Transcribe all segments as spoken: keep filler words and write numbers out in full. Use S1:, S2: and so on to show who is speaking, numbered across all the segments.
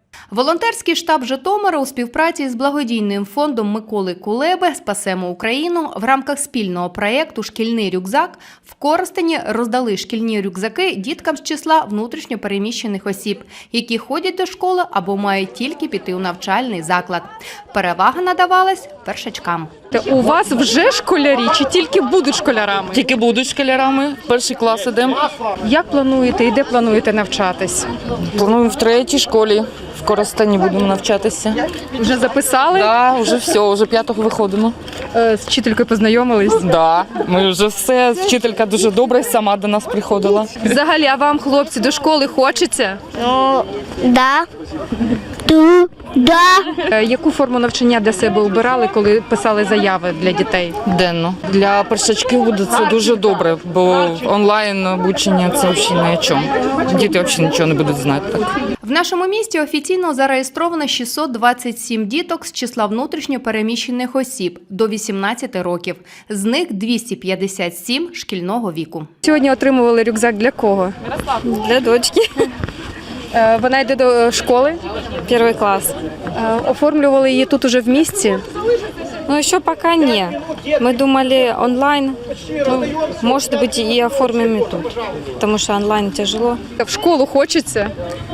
S1: Волонтерський штаб Житомира у співпраці з благодійним фондом Миколи Кулеби «Спасемо Україну» в рамках спільного проєкту «Шкільний рюкзак» в Коростені роздали шкільні рюкзаки діткам з числа внутрішньо переміщених осіб, які ходять до школи або мають тільки піти у навчальний заклад. Перевага надавалась першачкам.
S2: У вас вже школярі чи тільки будуть школярами?
S3: Тільки будуть школярами, перший клас ідемо.
S2: Як плануєте і де плануєте навчатись?
S3: Плануємо в третій школі, в Коростені будемо навчатися.
S2: Вже записали?
S3: Так, да, вже все, вже п'ятого виходимо.
S2: З вчителькою познайомились?
S3: Так, да, ми вже все, вчителька дуже добра, сама до нас приходила.
S2: Взагалі, а вам, хлопці, до школи хочеться?
S4: Ну, да. Ту, да.
S2: Яку форму навчання для себе обирали, коли писали заяви для дітей?
S3: Денно. Для першачків буде це дуже добре, бо онлайн обучення це взагалі ні о чому. Діти взагалі нічого не будуть знати так.
S1: В нашому місті офіційно зареєстровано шістсот двадцять сім діток з числа внутрішньо переміщених осіб до вісімнадцяти років. З них двісті п'ятдесят сім шкільного віку.
S2: Сьогодні отримували рюкзак для кого?
S5: Для дочки.
S2: Вона йде до школи?
S5: Первый класс.
S2: Оформлювали її тут уже в місті?
S5: Но еще пока не. Мы думали онлайн. Ну, может быть, и оформим и тут. Потому что онлайн тяжело.
S2: В школу хочеться?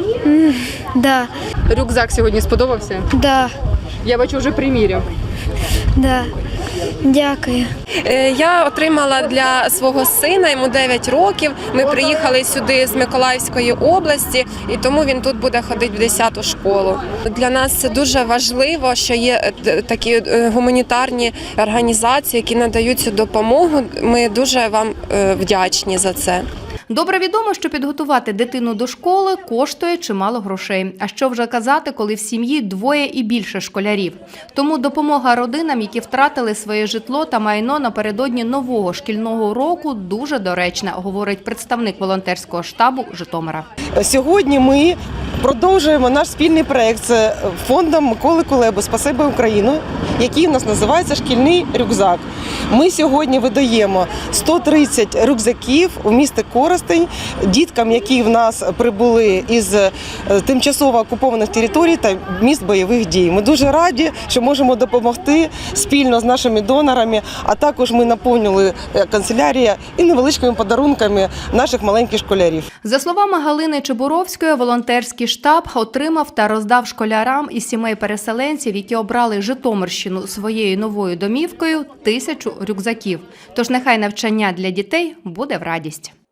S4: Да,
S2: Рюкзак сьогодні сподобався?
S4: да,
S2: Я бачу, вже приміряв.
S4: да. Дякую.
S6: Я отримала для свого сина, йому дев'ять років. Ми приїхали сюди з Миколаївської області, і тому він тут буде ходити в десяту школу. Для нас це дуже важливо, що є такі гуманітарні організації, які надають цю допомогу. Ми дуже вам вдячні за це.
S1: Добре відомо, що підготувати дитину до школи коштує чимало грошей. А що вже казати, коли в сім'ї двоє і більше школярів. Тому допомога родинам, які втратили своє житло та майно напередодні нового шкільного року, дуже доречна, говорить представник волонтерського штабу Житомира.
S7: Сьогодні ми продовжуємо наш спільний проєкт з фондом Миколи Кулеби «Спасемо Україну», який у нас називається «Шкільний рюкзак». Ми сьогодні видаємо сто тридцять рюкзаків у місті Коростень діткам, які в нас прибули із тимчасово окупованих територій та міст бойових дій. Ми дуже раді, що можемо допомогти спільно з нашими донорами, а також ми наповнили канцелярію і невеличкими подарунками наших маленьких школярів.
S1: За словами Галини Чебуровської, волонтерський штаб отримав та роздав школярам із сімей переселенців, які обрали Житомирщину своєю новою домівкою, тисячу рюкзаків. Тож нехай навчання для дітей буде в радість.